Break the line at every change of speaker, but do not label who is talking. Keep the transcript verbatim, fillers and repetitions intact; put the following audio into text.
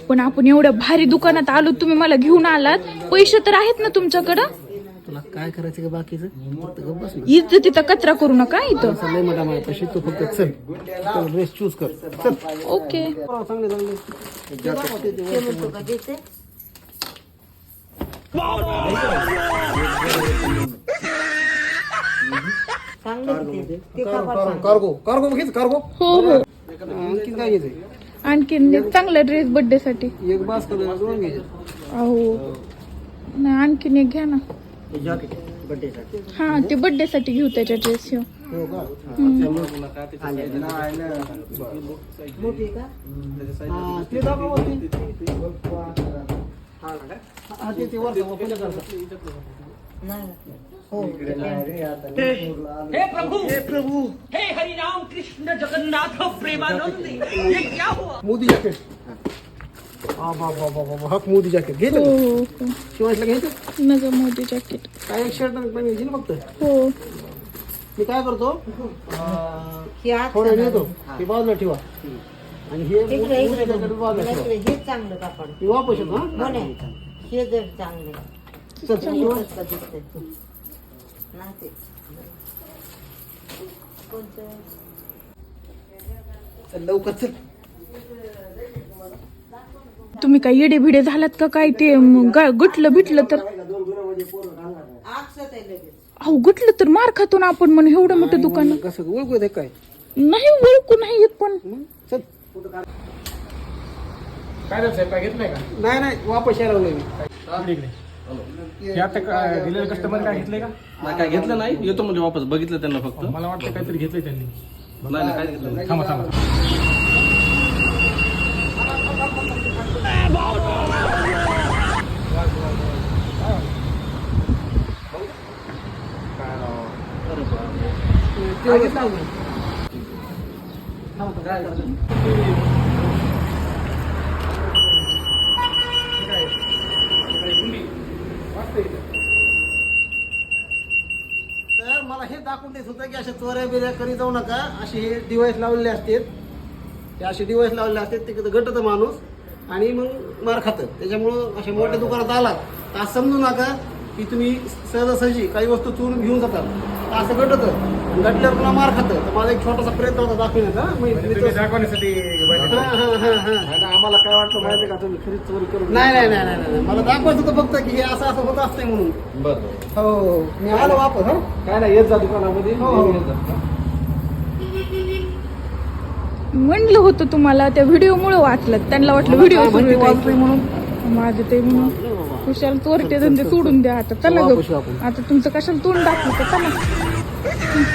पण आपण एवढ्या भारी दुकानात आलो, तुम्ही मला घेऊन आलात, पैसे तर आहेत ना तुमच्याकडं?
तुला काय करायचं का बाकीचं फक्त गप्प बस ना.
इथं तिथं कचरा करू नका इथं.
लय मोठा माझ्या पैसे तू फक्त चल ड्रेस चूज कर चल.
ओके.
चांगले चांगले कार्गो कार्गो घेच कार्गो.
हो हो.
आणखी काय घ्यायचंय?
आणखीन चांगला ड्रेस बर्थडे साठी.
एक बास कर दोन घ्यायचे.
अहो नाही, आणखीन एक घ्या ना.
जॅकेट बर्थडे साठी.
हा ते बर्थडे साठी घेऊ त्याच्या ड्रेस.
हो का? मोठी का? हा ते दाखव वरती. हा ते ते वरती ओपन करतात. नाही हो.
हे प्रभु हे प्रभु हे हरि राम कृष्ण जगन्नाथ प्रेमानंद, ये क्या हुआ?
मोदी जॅकेट. हा बा बा बा बा हा मोदी जॅकेट घे.
हो हो हो.
शिवायला घ्यायचं
नग मोदी जॅकेट.
काय एक शर्ट पण घ्यायची ना फक्त.
हो.
मी काय करतो थोडं नेतो हे बाजूला ठेवा आणि हे मोदी जॅकेट बाजूला ठेवा.
हे चांगलं कापड
हे वापस येतो. हा
हे जर चांगले
चल शिवा. चल लवकर चल.
तुम्ही काय येडे भिडे झालात का काय? ते म, गा- गुटलं बिटलं तर अहो गुटलं तर मार खातो ना आपण. म्हण एवढं मोठं दुकान
कसं ओळखू दे काय
नाही, ओळखू नाही येत पण.
चल.
काय झालं साहेब, काय घेतलंय का?
नाही नाही वापस यायला लागलोय मी.
इकडे. हे आता काय दिलेलं कस्टमर काय घेतलंय का?
नाही काय घेतलं नाही, येतो म्हणजे वापस बघितलं त्यांना फक्त.
मला वाटतं काहीतरी घेतलंय त्यांनी.
नाही नाही काय घेतलं नाही.
थांबा थांबा.
ते घेतलं अजून. तर मला हे दाखवून देत होतं की अशा चोऱ्या बिऱ्या करी जाऊ नका. असे हे डिवाइस लावलेले असतात, ते असे डिवाइस लावलेले असतात, ते गटत माणूस आणि मग मार खातं. त्याच्यामुळं अशा मोठ्या दुकानात आलात तर असं समजू नका की तुम्ही सहजासहजी काही वस्तू चोरून घेऊन जातात. तर असं गटत गटल्यावर पुन्हा मार खातं. तर माझा एक छोटासा प्रयत्न होता दाखवण्याचा.
तुम्ही दाखवण्यासाठी
हा हा हा हा
आता आम्हाला काय वाटलं माहिती का, तुम्ही खरीच चोरी करून
नाही नाही नाही नाही नाही. मला दाखवायचं होतं फक्त की हे असं असं होत असतंय म्हणून.
बरं
हो मी आलो वापस. हा
काय नाही, येत जा दुकानामध्ये.
हो, हो.
येत जा.
म्हणलं होतं तुम्हाला, त्या व्हिडिओ मुळे वाचलं. त्यांना वाटलं व्हिडिओ
माहिती वाचतोय म्हणून.
माझं ते म्हणून खुशाल तोरटे धंदे सोडून द्या आता. चला
वापस
गं.
आपण.
आता तुमचं कशाला तोंड दाखवतं. चला.